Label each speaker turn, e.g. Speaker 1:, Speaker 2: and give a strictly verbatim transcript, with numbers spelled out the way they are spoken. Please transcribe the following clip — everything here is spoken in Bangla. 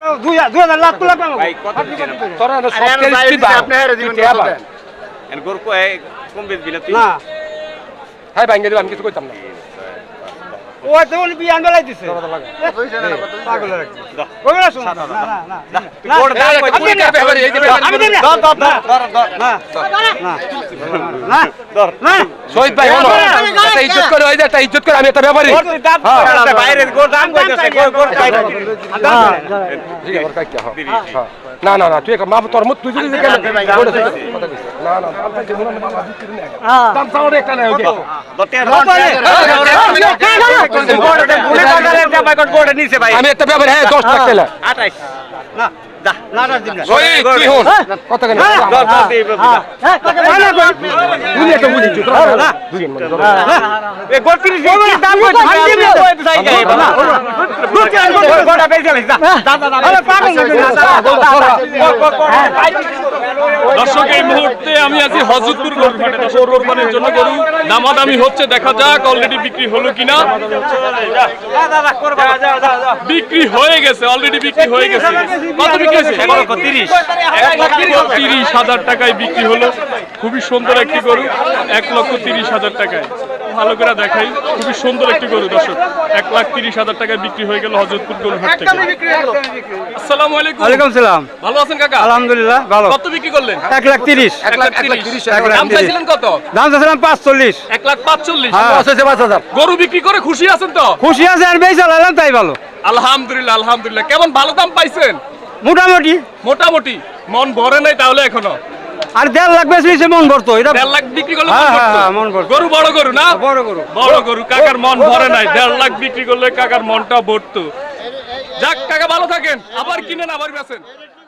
Speaker 1: দুই হাজার লাখ লাখ
Speaker 2: ভাই কত দিবেন
Speaker 3: তোরা সব তেইশ দিবা আপনি হেরে দিবেন
Speaker 2: এন গরু কয় কম বেচবি না তুই
Speaker 1: না
Speaker 3: হ্যাঁ ভাঙ্গে দিবা আমি কিছু কইতাম না
Speaker 1: ওই তো উনি বিয়ান বেলাই দিছে পাগল রাখছি ওগুলা শুন না না না
Speaker 2: তুই গোড় দাম কই
Speaker 3: আপনি কে ব্যাপারে এই যে
Speaker 1: আমি দেব না
Speaker 2: ধর ধর ধর ধর
Speaker 1: না না
Speaker 2: ধর
Speaker 1: না
Speaker 3: শহীদ ভাই হলো একটা ইজ্জত করে ওই যে একটা ইজ্জত করে আমি একটা ব্যাপারী
Speaker 2: গোড় তুই দাম কইছে বাইরে গোড় দাম কইছে গোড় গোড় চাই
Speaker 3: ঠিক আছে কাই কি হ্যাঁ না না না তুই এক মা তোর মুত তুই যদি কেন গোড় কথা কইছ না না দাম চাইছে মনে মনে বাবা বিক্রি না
Speaker 1: হ্যাঁ
Speaker 3: দাম চাও রে একটা না ওকে আমি একটা ব্যাপারী হ্যাঁ দশ লাখ টাকা
Speaker 2: আঠাইশ
Speaker 1: না না না দিন না
Speaker 3: শহীদ তুই হন কত কেন
Speaker 2: ধর ধর দে
Speaker 1: হ্যাঁ
Speaker 3: তুই একটা বুঝি তুই না দুই মিনিট
Speaker 2: এ গোড় তিরিশ দাম কইছে কই চাই গায় না গোড়টা বেচে লাইছ দা দা দা আরে পাগল
Speaker 4: দর্শক এই মুহূর্তে আমি আছি হযরতপুর গরুহাটে দর্শক কোরবানির জন্য গরু দামাদামি হচ্ছে দেখা যাক অলরেডি বিক্রি হলো কিনা
Speaker 2: দাদা করবা যা যা যা
Speaker 4: বিক্রি হয়ে গেছে অলরেডি বিক্রি হয়ে গেছে কত বিক্রি হয়েছে
Speaker 2: তিরিশ
Speaker 4: এক লক্ষ তিরিশ হাজার টাকায় বিক্রি হলো খুবই সুন্দর একটি গরু এক লক্ষ তিরিশ হাজার টাকায় ভালো করে দেখাই খুবই সুন্দর একটি গরু দর্শক এক লাখ তিরিশ হাজার টাকায় বিক্রি হয়ে গেল হযরতপুর গরুহাট থেকে আসসালামু আলাইকুম
Speaker 1: ওয়ালাইকুম সালাম
Speaker 4: ভালো আছেন কাকা
Speaker 1: আলহামদুলিল্লাহ ভালো
Speaker 4: কত বিক্রি করলেন
Speaker 1: এক লাখ তিরিশ
Speaker 4: এক লাখ তিরিশ দাম চাইছিলেন কত
Speaker 1: দাম চাইছিলাম পাঁচচল্লিশ
Speaker 4: এক লাখ পাঁচচল্লিশ
Speaker 3: আছে পাঁচ হাজার
Speaker 4: গরু বিক্রি করে খুশি আছেন তো
Speaker 1: খুশি আছে আর বেশি চালালাম তাই ভালো
Speaker 4: আলহামদুলিল্লাহ আলহামদুলিল্লাহ কেমন ভালো দাম পাইছেন
Speaker 1: মোটামুটি
Speaker 4: মোটামুটি মন ভরে নাই তাহলে এখনো
Speaker 1: আর দেড় লাখ বেশি বেশি মন ভরতো এটা
Speaker 4: দেড় লাখ বিক্রি করলে
Speaker 1: হ্যাঁ,
Speaker 4: মন
Speaker 1: হ্যাঁ,
Speaker 4: ভরতো।
Speaker 1: হ্যাঁ, মন ভরতো।
Speaker 4: গরু বড় গরু না
Speaker 1: বড় গরু
Speaker 4: বড় গরু কাকার মন ভরে নাই দেড় লাখ বিক্রি করলে কাকার মনটা ভরতো যাক কাকা ভালো থাকেন আবার কিনেন আবার বেচেন